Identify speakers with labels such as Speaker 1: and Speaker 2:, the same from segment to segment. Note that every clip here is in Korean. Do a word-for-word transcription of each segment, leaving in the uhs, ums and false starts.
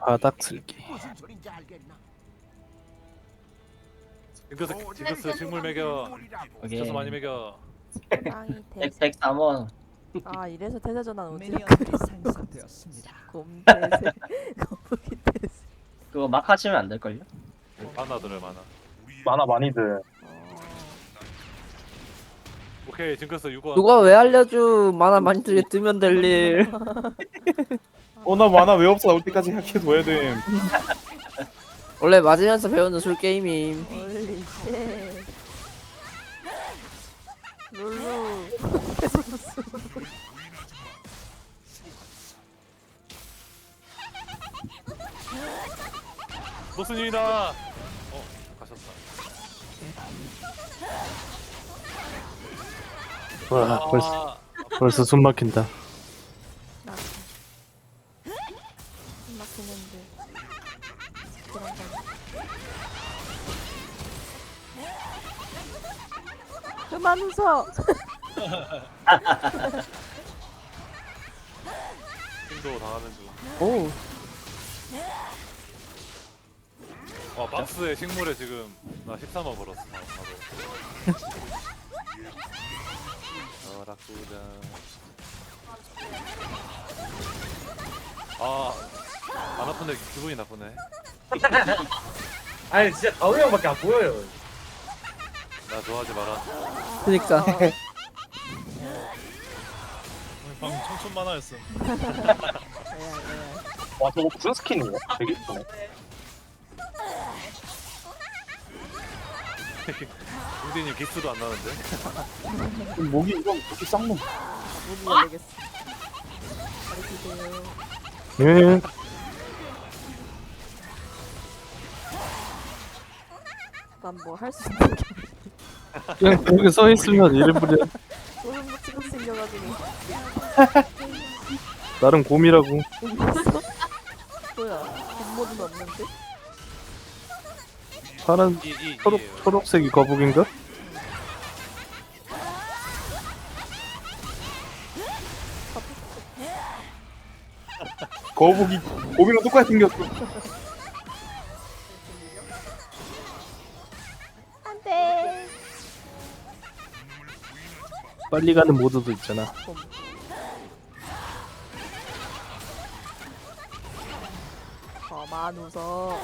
Speaker 1: 바닥 쓸기.
Speaker 2: 징크스 징크스 식물 먹여. 스트레스 많이 먹여.
Speaker 3: 땅이
Speaker 4: 백,
Speaker 3: 대세.
Speaker 4: 백삼 원.
Speaker 3: 아 이래서 태세 전환 오지.
Speaker 5: 미니언들이 생성되었습니다.
Speaker 3: 곰 대세. 거북이 대세.
Speaker 4: 그거 막 하시면 안 될걸요?
Speaker 2: 만화들을 만화.
Speaker 6: 만화 많이들.
Speaker 3: 어.
Speaker 2: 오케이 징크스 육 원.
Speaker 1: 누가 왜 알려줘? 만화 많이 들게 뜨면 될 일.
Speaker 6: 어, 나 만화 왜 없어? 나올 때까지 생각해둬야 돼.
Speaker 1: 원래 맞으면서 배우는 술 게임임.
Speaker 3: 홀리 쉣. 룰루.
Speaker 2: 무슨 일이다. 어 가셨다.
Speaker 1: 와 벌써
Speaker 2: 아,
Speaker 1: 벌써 숨 막힌다.
Speaker 3: 나. 막히는데. 그런 거. 그만 웃어.
Speaker 2: 힘도 당하는 중.
Speaker 1: 오.
Speaker 2: 와 박스에 식물에 지금 나 십삼 원 벌었어. 바로. 어 락구자. 아안 아픈데 기분이 나쁘네.
Speaker 7: 아니 진짜 다우 형밖에 안 보여요.
Speaker 2: 나 좋아하지 마라.
Speaker 1: 그니까.
Speaker 2: 방금 청춘 만화였어.
Speaker 3: 레알 레알.
Speaker 6: 와, 저거 무슨 스킨이야? 되게 이쁘네.
Speaker 2: 우디님 기스도 안 나는데.
Speaker 6: 목이 이건 그렇게 쌍놈.
Speaker 3: 무기 열리겠어. 가르치세요.
Speaker 1: 예.
Speaker 3: 난 뭐 할 수 있는 게
Speaker 1: 그냥 거기 서 있으면 이름 부려.
Speaker 3: 소름 붙이고 생겨가지고.
Speaker 1: 나름 곰이라고.
Speaker 3: 뭐야? 겉모드는 없는데?
Speaker 1: 파란
Speaker 2: 이, 이,
Speaker 1: 초록
Speaker 2: 이에요.
Speaker 1: 초록색이 거북인가?
Speaker 6: 거북이, 거북이랑 똑같이 생겼어.
Speaker 3: 안돼.
Speaker 1: 빨리 가는 모드도 있잖아.
Speaker 3: 곰. 저만 웃어.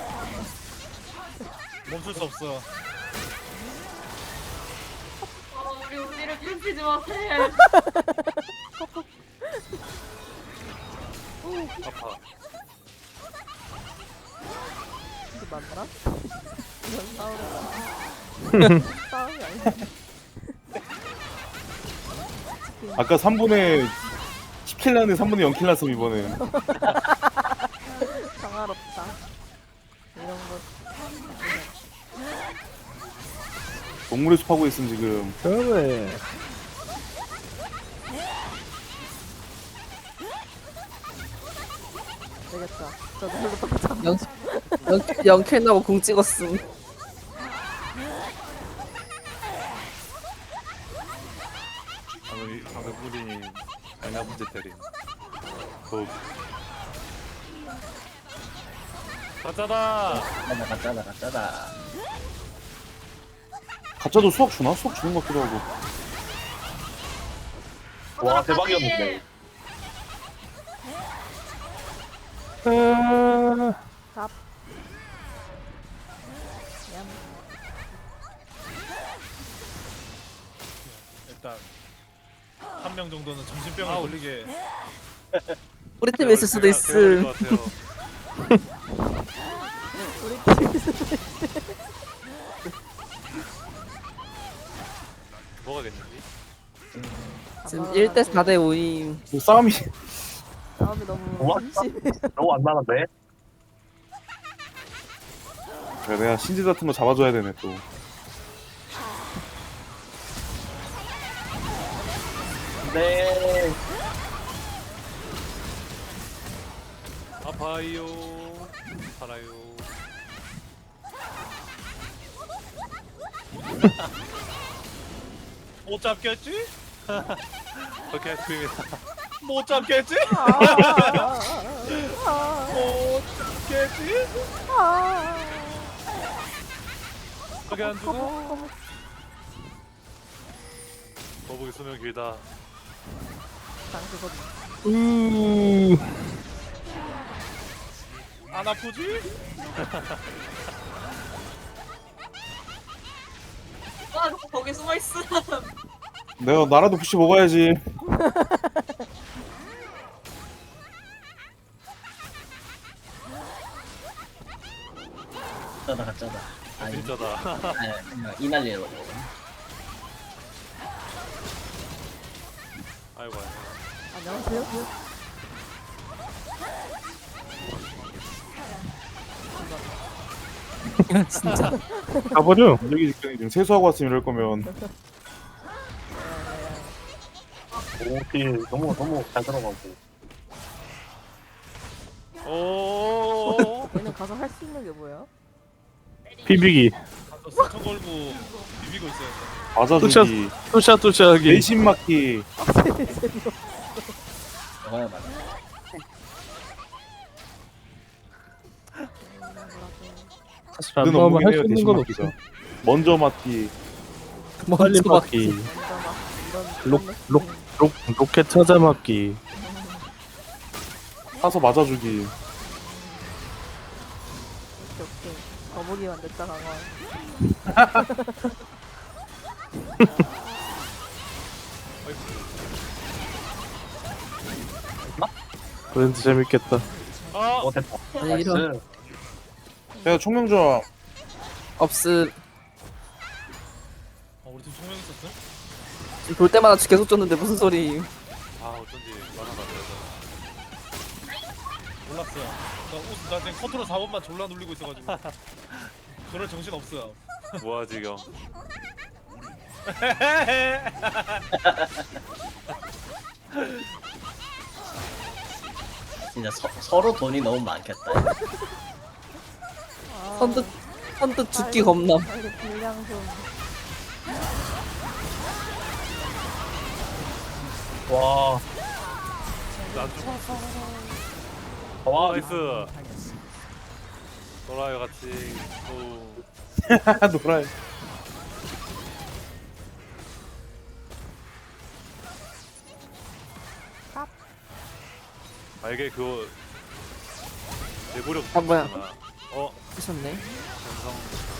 Speaker 2: 멈출 수 없어.
Speaker 8: 우리 우리를 괴롭히지 마세요.
Speaker 2: 아파.
Speaker 3: 이게 맞나? 이건 싸우는 싸움이 아니야.
Speaker 6: 아까 삼 분의 십 킬 나는데 삼 분의 영 킬 났어, 이번에.
Speaker 3: 평화롭다. 이런 거.
Speaker 6: 동물의 숲 하고 있음, 지금.
Speaker 1: 그래.
Speaker 3: 되겠다. 저도 별로 똑같아.
Speaker 1: 영 영캔 나고 공 찍었음.
Speaker 2: 방금 방금 우디님 장난 문제 때림. 그 가짜다.
Speaker 4: 가짜다, 가짜다, 가짜다.
Speaker 6: 가짜도 수학 주나? 수학 주는 것 같기도 하고. 와, 대박이었는데.
Speaker 1: 아,
Speaker 3: 갑. 얌.
Speaker 9: 일단 한 명 정도는 정신병을 걸리게.
Speaker 1: 우리 팀에 있을 수도 있음.
Speaker 3: 우리 팀에서
Speaker 2: 뭐가 겠는지?
Speaker 1: 지금 일 대 사 대 오임.
Speaker 6: 뭐 싸움이
Speaker 3: 싸움이 너무
Speaker 6: 우와.
Speaker 3: 심심해.
Speaker 6: 너무 안 나는데? 그래, 내가 신지 같은 거 잡아줘야 되네, 또.
Speaker 4: 네.
Speaker 2: 아파요. 살아요.
Speaker 9: 못 잡겠지?
Speaker 2: 오케이 스크림이다.
Speaker 9: 못 잡겠지?
Speaker 3: 아, 아, 아, 아.
Speaker 9: 못 잡겠지? 되지?
Speaker 3: 아.
Speaker 2: 저기 안 죽어. 거북이 수명 길다.
Speaker 3: 난 그거
Speaker 6: 우.
Speaker 9: 안 아프지?
Speaker 8: 와, 거기 숨어 있어.
Speaker 6: 내가 나라도 푸시 먹어야지.
Speaker 4: 짜다 가짜다. 아니,
Speaker 2: 진짜다.
Speaker 4: 아니, 그냥 이 난리로.
Speaker 2: 아이고 아이고.
Speaker 3: 안녕하세요.
Speaker 1: 진짜.
Speaker 6: 가버려. 여기 지금 세수하고 왔으면 이럴 거면.
Speaker 4: 오피 너무 너무 잘 들어가고.
Speaker 2: 오.
Speaker 3: 얘는 가서 할 수 있는 게 뭐야?
Speaker 7: 비비기
Speaker 9: 가서 스쳐 걸고 비비고 있어야 돼.
Speaker 6: 맞아주기.
Speaker 7: 뚜샤 뚜샤하기
Speaker 6: 내심 맞기.
Speaker 3: 아, 재미없어.
Speaker 4: 저거야 맞아.
Speaker 7: 사실
Speaker 6: 눈
Speaker 7: 안 나오면
Speaker 6: 없는
Speaker 7: 할
Speaker 6: 해요
Speaker 7: 수 있는
Speaker 6: 대신
Speaker 7: 건
Speaker 6: 맞기가.
Speaker 7: 없어.
Speaker 6: 먼저 맞기.
Speaker 7: 빨리
Speaker 1: 먼저
Speaker 7: 맞기
Speaker 3: 먼저 막 이런
Speaker 7: 록,
Speaker 3: 이런
Speaker 7: 록,
Speaker 3: 느낌.
Speaker 7: 록, 로켓 찾아 맞기
Speaker 6: 사서 맞아주기.
Speaker 3: 오케이 오케이. 거북이만 냈다 강화.
Speaker 7: 그런지 재밌겠다.
Speaker 2: 아.
Speaker 4: 어 됐다.
Speaker 1: 아니, 이런.
Speaker 4: 나이스.
Speaker 6: 내가 총명조합.
Speaker 1: 없음.
Speaker 9: 어, 우리 팀 총명 있었어?
Speaker 1: 지금 볼 때마다 계속 줬는데 무슨 소리.
Speaker 2: 아 어쩐지 만화가 안 돼서.
Speaker 9: 몰랐어요. 나, 옷, 나 지금 컨트롤 사 번만 졸라 눌리고 있어가지고. 그럴 정신 없어요.
Speaker 2: 뭐야 지금.
Speaker 4: 진짜 서, 서로 돈이 너무 많겠다.
Speaker 3: 아,
Speaker 1: 선뜻 선뜻 죽기 겁남.
Speaker 3: 빨리 분량 좀.
Speaker 4: 와.
Speaker 2: 안 죽었어.
Speaker 4: 와
Speaker 2: 와 나이스. 놀아요 같이. 오.
Speaker 6: 노라.
Speaker 2: 아 이게 그거 내구력.
Speaker 1: 아, 뭐야.
Speaker 2: 어
Speaker 1: 하셨네.
Speaker 2: 전성.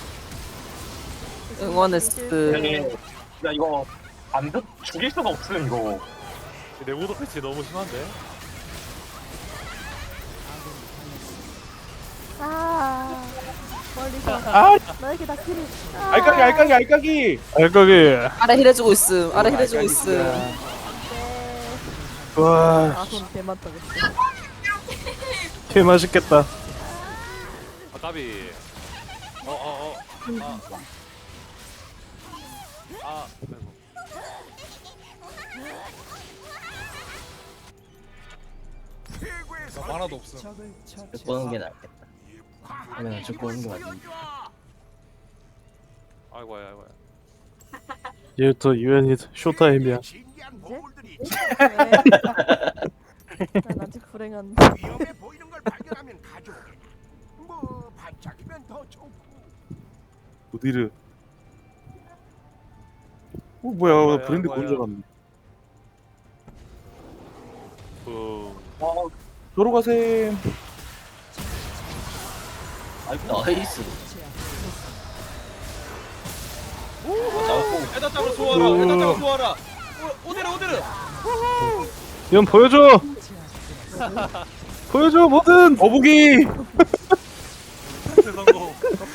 Speaker 1: 응원했스.
Speaker 4: 야 이거 안 듣, 죽일 수가 없음 이거.
Speaker 2: 내구도 패치 너무 심한데.
Speaker 3: 아 멀리서
Speaker 6: 아,
Speaker 3: 너에게 닿기를. 아,
Speaker 6: 알까기, 알까기, 알까기.
Speaker 7: 알까기
Speaker 1: 아래 힐해주고 있음. 아래 힐해주고 있음.
Speaker 3: 네.
Speaker 7: 와
Speaker 3: 아손 개만 떠겠어.
Speaker 7: 개 맛있겠다.
Speaker 2: 아 까비. 어어 어. 아. 아. 아이고.
Speaker 9: 나 만화도 없어.
Speaker 5: 적을
Speaker 4: 죽고 오는 게 낫겠다. 그러면 죽고 오는 게 맞지.
Speaker 2: 아이고 아이고.
Speaker 7: 이제부터 유엔이 쇼타임이야.
Speaker 3: 난 아직 불행한데.
Speaker 10: 위험해 보이는 걸 발견하면 가져오게. 뭐 반짝이면 더 좋고.
Speaker 6: 오디르. 어 뭐야
Speaker 2: 뭐야,
Speaker 6: 브랜드
Speaker 2: 뭐야.
Speaker 6: 뭔줄 알았네.
Speaker 2: 붐.
Speaker 4: 어,
Speaker 6: 저로 가세.
Speaker 4: 나이스. 어,
Speaker 9: 에다 잡으러 소화라. 에다 잡으러 소화라. 오, 오데르 오데르.
Speaker 7: 이건 보여줘. 보여줘 뭐든.
Speaker 6: 거북이.
Speaker 2: 패스 성공.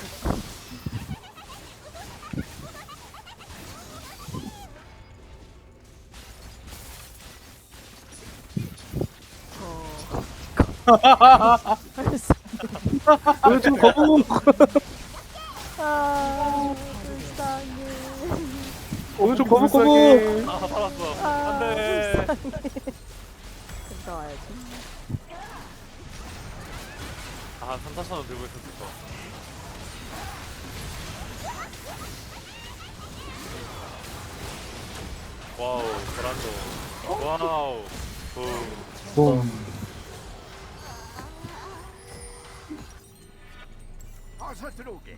Speaker 7: 보여줘 거북.
Speaker 3: 아 불쌍해.
Speaker 7: 보여줘 거북 거북.
Speaker 2: 아 살았어.
Speaker 3: 아
Speaker 2: 안돼.
Speaker 3: 갔다 와야지.
Speaker 2: 아 삼, 사천 원 들고 있었을 거. 와우 브란도. 와우. 붐.
Speaker 7: 봄.
Speaker 10: 어서 들어오게.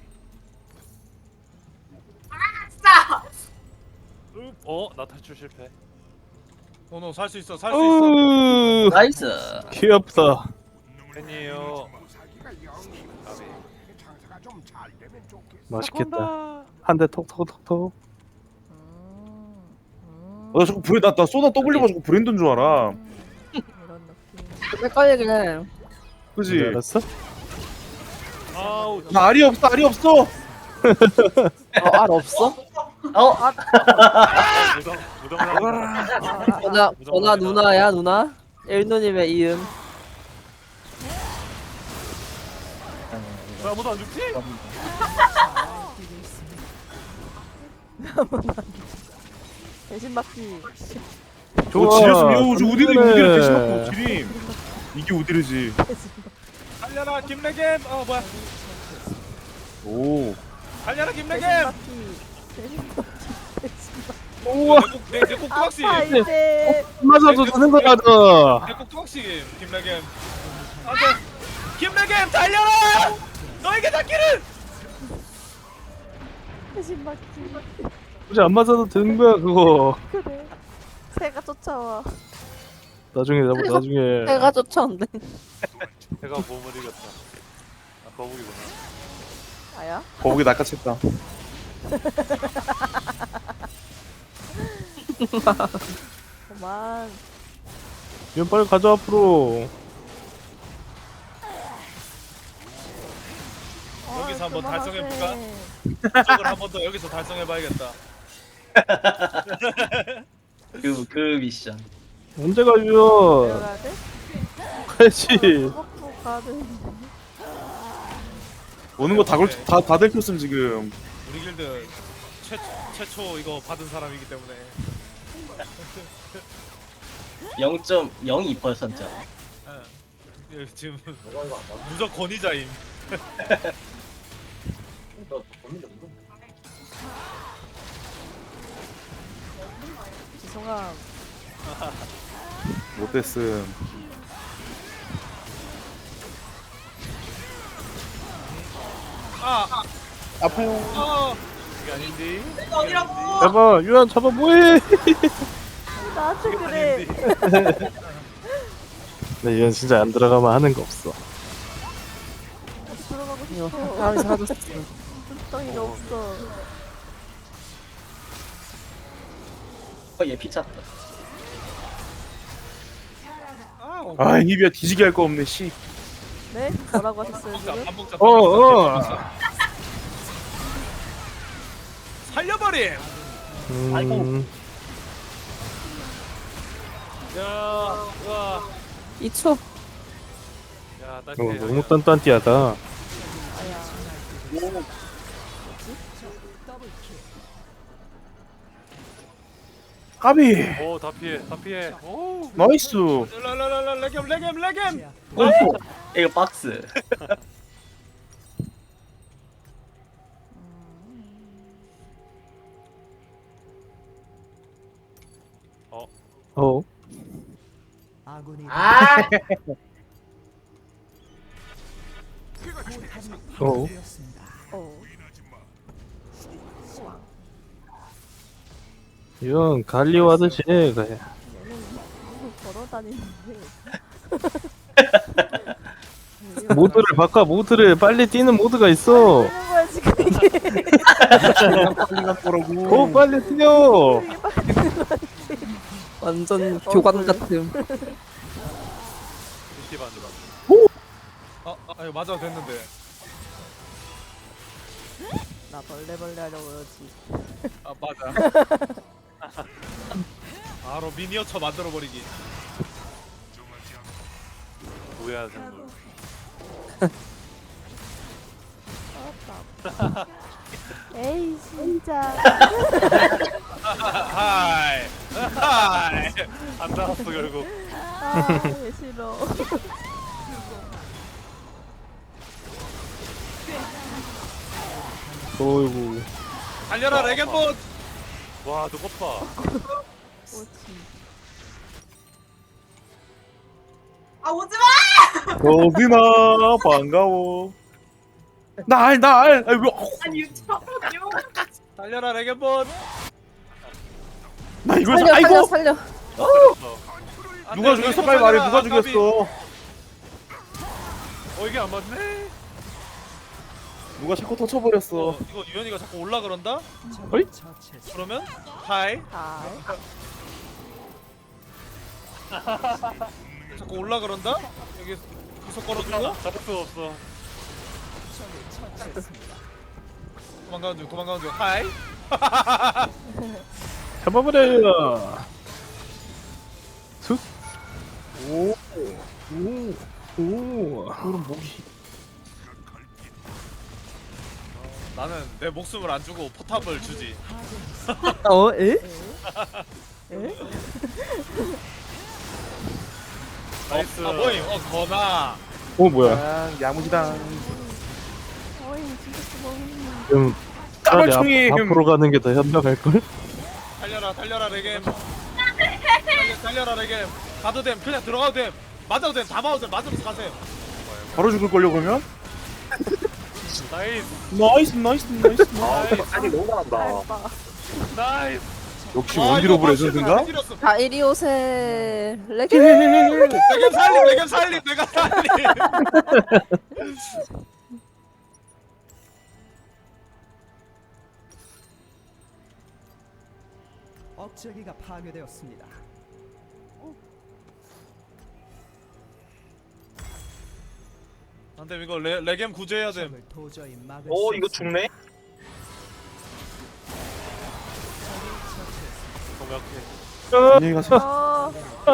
Speaker 8: 진짜.
Speaker 2: 어? 나 탈출 실패.
Speaker 9: 어너 살 수 있어 살 수 있어.
Speaker 7: 으
Speaker 1: 나이스.
Speaker 7: 귀엽다.
Speaker 2: 팬이에요.
Speaker 10: 무사기가 영이 장사가 좀 잘 되면 좋겠어.
Speaker 7: 맛있겠다. 한 대 톡톡톡톡.
Speaker 3: 음, 음,
Speaker 6: 어, 나 자꾸 브레 나나 쏘나 W가 자꾸 브랜드인 줄 알아.
Speaker 3: 이런 느낌.
Speaker 1: 헷갈리긴 해.
Speaker 6: 그지?
Speaker 7: 알았어?
Speaker 2: 아우.
Speaker 6: 나 알이 없어 알이 없어.
Speaker 1: 어, 알 없어?
Speaker 2: 무덤 무덤 나가.
Speaker 1: 전화, 전화 누나야, 누나? 일누님의 이음.
Speaker 2: 왜 아무도 안 죽지?
Speaker 3: 대신 맞기.
Speaker 6: 저 지렸으면 요 저 우디를
Speaker 7: 그래.
Speaker 6: 우디를 대신 먹고 지림. 이게 우디르지.
Speaker 9: 달려라 김래겜. 어 뭐야?
Speaker 6: 오.
Speaker 9: 달려라
Speaker 3: 대신
Speaker 9: 김래겜.
Speaker 3: 맞기. 대신 맞기. 대신 맞기.
Speaker 7: 우와.
Speaker 9: 내내꼭 뚜벅시.
Speaker 3: 아파 이제.
Speaker 7: 맞아도 되는 거라도.
Speaker 9: 내꼭 뚜벅시 김래겜. 안돼. 김래겜 달려라. 너에게 닿기를.
Speaker 3: 대신 맞기.
Speaker 7: 굳이 안 맞아도 되는 거야 그거.
Speaker 3: 그래. 새가 쫓아와.
Speaker 7: 나중에 나중에. 나중에.
Speaker 1: 해가 쫓아온대.
Speaker 2: 내가 몸을 이겼다. 아 거북이구나.
Speaker 3: 아야?
Speaker 6: 거북이 낚아챘다.
Speaker 3: 그만.
Speaker 7: 이건 빨리 가져 앞으로.
Speaker 9: 여기서
Speaker 3: 아,
Speaker 9: 한번
Speaker 3: 그만하세.
Speaker 9: 달성해볼까? 쪽을 한 번 더 여기서 달성해봐야겠다.
Speaker 11: 그, 그 미션.
Speaker 7: 언제 가요?
Speaker 3: 내려가야 돼?
Speaker 7: 가야지.
Speaker 3: 먹고 가야 되는데.
Speaker 6: 오는 거 다다다 들켰음 지금.
Speaker 9: 우리 길드 최 최초 이거 받은 사람이기 때문에.
Speaker 11: 영 점 영이 퍼센트.
Speaker 9: 예, 지금 무적 권위자임.
Speaker 3: 죄송함.
Speaker 6: 못됐음.
Speaker 9: 아,
Speaker 6: 아파요.
Speaker 9: 아,
Speaker 2: 이게 아닌데.
Speaker 8: 내가 어디라고?
Speaker 7: 잡아 유한 잡아 뭐해?
Speaker 3: 나한테 그래.
Speaker 7: 네 유한 진짜 안 들어가면 하는 거 없어.
Speaker 3: 들어가고
Speaker 1: 이거
Speaker 3: 싶어.
Speaker 1: 사람이 사줬어.
Speaker 3: 뚜껑이가 없어.
Speaker 11: 어, 얘 피쳤다.
Speaker 9: 아,
Speaker 6: 아 이비야 뒤지게 할 거 없네 씨.
Speaker 3: 네? 뭐라고 하셨어요
Speaker 9: 반복자,
Speaker 3: 지금?
Speaker 9: 반복자,
Speaker 7: 어, 어.
Speaker 9: 반복자. 살려버림.
Speaker 7: 음.
Speaker 2: 야, 와.
Speaker 1: 이 초.
Speaker 2: 야,
Speaker 7: 어,
Speaker 2: 딸피.
Speaker 7: 너무 딴딴띠하다.
Speaker 3: 아야.
Speaker 6: 까비.
Speaker 2: 오, 다 피해, 다 피해. 오.
Speaker 6: 나이스.
Speaker 9: 라라라라 레겜 레겜 레겜.
Speaker 11: 오! 이거 박스.
Speaker 7: 어.
Speaker 5: 아군이
Speaker 11: 아!
Speaker 7: 어.
Speaker 5: 되었습니다.
Speaker 3: 어.
Speaker 7: 이건 갈리오 하듯이 해. 그래.
Speaker 3: 얘는 계속 걸어다니는데.
Speaker 7: 모드를 바꿔. 모드를 빨리 뛰는 모드가 있어.
Speaker 3: 하는 거야 지금 이게.
Speaker 6: 빨리 갔더라고.
Speaker 7: 더 빨리 뛰어.
Speaker 3: 이게 빨리
Speaker 1: 완전 교관 같음.
Speaker 2: 이십 안 들어.
Speaker 9: 아, 아, 이거 맞아 됐는데.
Speaker 3: 나 벌레 벌레 하려고 그러지.
Speaker 9: 아, 맞아. 바로 미니어처 만들어 버리기.
Speaker 2: 뭐야, 생물.
Speaker 3: 알았다. 에이 진짜.
Speaker 9: 하이. 하이.
Speaker 2: 안 나왔어, 결국.
Speaker 3: 아얘 싫어.
Speaker 7: 어이구.
Speaker 9: 달려라 레겜봇.
Speaker 2: 와, 너 것 봐.
Speaker 3: 오지.
Speaker 8: 아 오지 마!
Speaker 6: 어디나 반가워. 날날 아니 왜
Speaker 8: 아니 잠깐만요.
Speaker 9: 달려라 레겐본.
Speaker 6: 나 이걸 사-
Speaker 1: 살려
Speaker 6: 아이고
Speaker 1: 살려 살려.
Speaker 9: 안
Speaker 6: 누가
Speaker 9: 돼,
Speaker 6: 죽였어
Speaker 9: 레겐본
Speaker 6: 빨리 말해
Speaker 9: 살려라.
Speaker 6: 누가
Speaker 9: 아, 까비.
Speaker 6: 죽였어
Speaker 2: 어 이게 안 맞네.
Speaker 6: 누가 샤코 터쳐버렸어
Speaker 9: 어, 이거 유현이가 자꾸 올라 그런다?
Speaker 6: 어이?
Speaker 9: 그러면 하이.
Speaker 3: 아,
Speaker 9: 자꾸 올라 그런다? 여기 구석 걸어주고
Speaker 2: 잡을 수 없어.
Speaker 9: 도망가는 중 도망가는 중 하이.
Speaker 7: 잡아버려. 툭.
Speaker 6: 오
Speaker 7: 오. 오.
Speaker 6: 그럼 목이
Speaker 9: 나는 내 목숨을 안 주고 포탑을 주지.
Speaker 1: 어? 에?
Speaker 3: 에?
Speaker 2: 나이스.
Speaker 9: 아 뭐임? 어 거나.
Speaker 7: 오 뭐야?
Speaker 6: 아, 야무지다
Speaker 3: 어이 진짜 수고했네.
Speaker 7: 좀 차라리 앞,
Speaker 6: 까발총이
Speaker 7: 앞으로 가는 게 더 현명할 걸?
Speaker 9: 달려라 달려라 레겜. 달려, 달려라 레겜. 가도 됨. 그냥 들어가도 됨. 맞아도 됨. 다 맞아도 됨. 맞으면서 가세요.
Speaker 6: 바로 죽을걸요 그러면?
Speaker 2: 나이스.
Speaker 6: 나이스 나이스 나이스
Speaker 2: 나이스.
Speaker 4: 아니 너무 잘한다.
Speaker 3: 알바.
Speaker 2: 나이스.
Speaker 6: 역시
Speaker 9: 아,
Speaker 6: 원디로
Speaker 9: 이거
Speaker 6: 브레
Speaker 9: 실수가
Speaker 6: 선수인가?
Speaker 9: 안 때렸어.
Speaker 1: 자 이리 오세. 레게.
Speaker 9: 레겜 살림 레겜 살림 내가 살림.
Speaker 5: 억제기가 파괴되었습니다.
Speaker 9: 안돼 이거 레, 레겜 구제해야 됨.
Speaker 5: 적을 도저히 막을
Speaker 4: 오
Speaker 5: 수
Speaker 4: 이거
Speaker 5: 없습니다.
Speaker 4: 죽네.
Speaker 2: 정확해.
Speaker 6: 안녕히 가세요
Speaker 3: 어,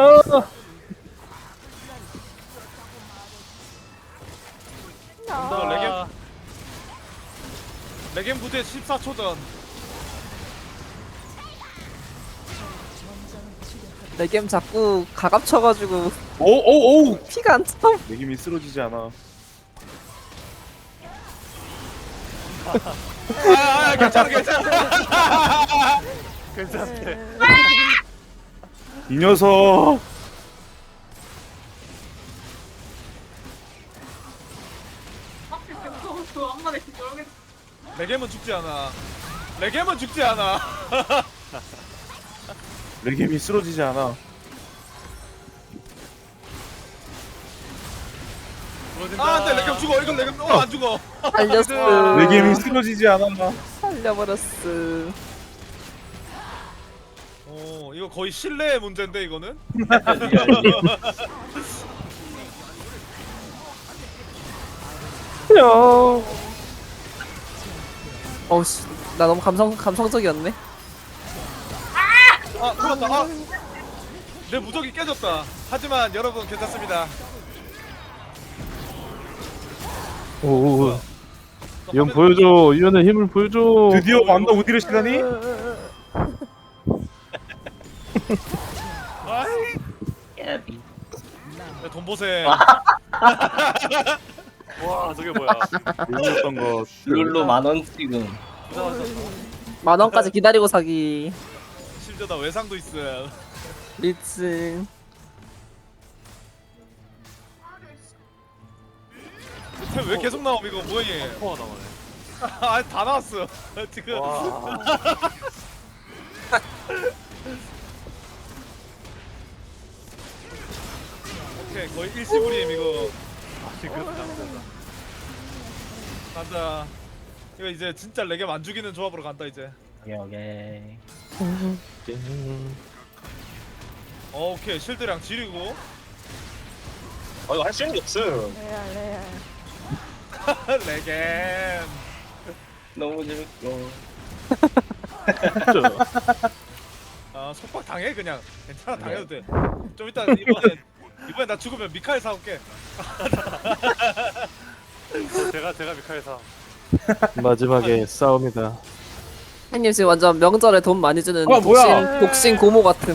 Speaker 9: 너
Speaker 3: 나.
Speaker 9: 레겜 레겜 구제 십사 초 전.
Speaker 1: 레겜 자꾸 가갑쳐가지고
Speaker 6: 오오오
Speaker 1: 피가 안 차.
Speaker 6: 내김이 쓰러지지 않아
Speaker 9: 아, 아 괜찮아 괜찮아.
Speaker 2: 괜찮대.
Speaker 6: 이 녀석
Speaker 8: 하필 병성은 한 마리 저렇게
Speaker 9: 레겜은 죽지 않아. 레겜은 죽지 않아.
Speaker 6: 레김이 쓰러지지 않아
Speaker 2: 부러진다.
Speaker 9: 아 안돼 레겜 죽어. 이건 레겜 어안 죽어.
Speaker 1: 살렸어.
Speaker 6: 레김이 쓰러지지 않아
Speaker 1: 살려버렸어.
Speaker 9: 어 이거 거의 신뢰의 문제인데 이거는.
Speaker 7: 야.
Speaker 1: 어우씨 나 너무 감성 감성적이었네.
Speaker 9: 아 죽었다. 아. 내 무적이 깨졌다. 하지만 여러분 괜찮습니다.
Speaker 7: 오. 이건 보여줘. 이현의 힘을 보여줘.
Speaker 6: 드디어 완다 우디르 시간이?
Speaker 11: 깨비.
Speaker 9: 네, 돈 보세.
Speaker 2: 와 저게 뭐야?
Speaker 6: 몰랐던 거
Speaker 11: 룰루 만원 지금.
Speaker 1: 만 원까지 기다리고 사기.
Speaker 9: 심지어 나 외상도 있어.
Speaker 1: 리츠.
Speaker 9: 템 왜 계속 나옴 이거 뭐해?
Speaker 2: 코어 나오네.
Speaker 9: 아 다 나왔어. 지금.
Speaker 2: 와.
Speaker 9: 오케이 거의 일시불임 이거.
Speaker 2: 지금 잘못했다.
Speaker 9: 간다. 이거 이제 진짜 레겜 안 죽이는 조합으로 간다 이제.
Speaker 11: 오케이 오케이.
Speaker 9: 어, 오케이 실드랑 지르고.
Speaker 4: 아 이거 할 수 있는 게 없음.
Speaker 3: 레알 레알.
Speaker 9: 레겜.
Speaker 11: 너무 재밌고.
Speaker 9: 아 속박 당해 그냥. 괜찮아 당해도 돼. 좀 이따 이번에 이번에 나 죽으면 미카엘 사올게.
Speaker 2: 제가 제가 미카엘사.
Speaker 7: 마지막에 싸움이다.
Speaker 1: 형님 지금 완전 명절에 돈 많이 주는
Speaker 6: 아, 뭐야?
Speaker 1: 독신, 독신 고모 같은.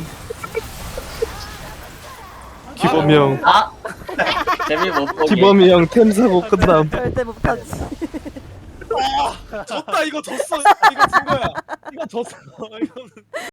Speaker 7: 기범이 형.
Speaker 11: 아 재미 못 보게.
Speaker 7: 기범이 형 템 사고 끝남.
Speaker 3: 절대 못하지.
Speaker 9: 졌다 이거 졌어. 이거 진 거야. 이거 졌어. 이거는.